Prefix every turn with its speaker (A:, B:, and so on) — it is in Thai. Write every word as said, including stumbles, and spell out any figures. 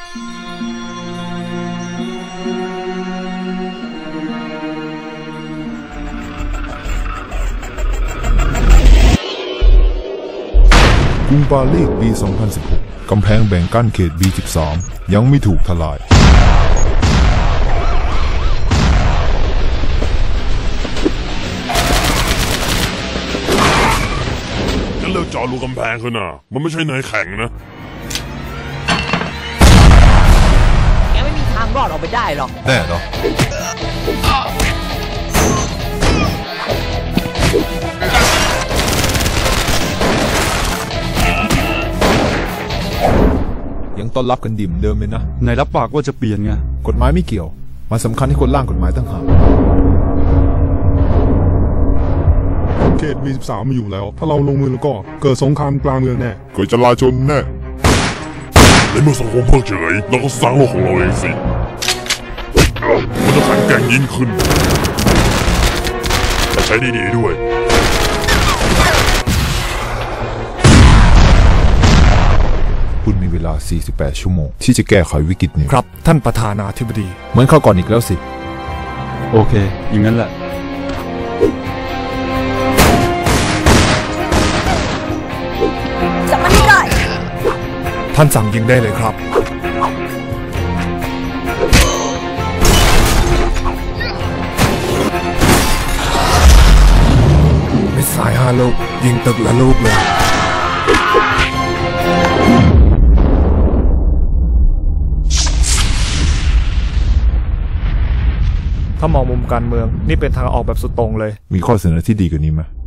A: กรุงปารีสปี สองพันสิบหก กำแพงแบ่งกั้นเขต บี สิบสาม ยังไม่ถูกทลาย
B: งั้นเลิกเจาะรูกำแพงคือน่ะมันไม่ใช่เนยแข็งนะ
C: แกไม่มีทางรอดออกไปได้หรอก
A: แน่เหรอยังต้อนรับกันดิ่มเดิมเลยนะ
D: นายรับปากว่าจะเปลี่ยนไง
A: กฎหมายไม่เกี่ยวมันสำคัญที่คนร่างกฎหมายตั้งหาก
E: เขต บี สิบสาม มาอยู่แล้วถ้าเราลงมือแล้วก็เกิดสงครามกลางเมืองแน่
B: เกิดจลาจลแน่ในเมื่อสังคมเพิกเฉยเราก็สร้างโลกของเราเองสิมันจะแข็งแกร่งยิ่งขึ้นแต่ใช้ดีๆด้วย
A: คุณมีเวลา สี่สิบแปด ชั่วโมงที่จะแก้ไขวิกฤตนี้
D: ครับท่านประธานาธิบดี
A: เหมือนเข้าก่อนอีกแล้วสิ
D: โอเคอย่างนั้นแหละ
C: จับมันให้ได้
D: ท่านสั่งยิงได้เลยครับมิสไซล์ห้าลูกยิงตึกละลูกเลยถ้ามองมุมการเมืองนี่เป็นทางออกแบบสุดตรงเลย
A: มีข้อเสนอที่ดีกว่านี้ไหม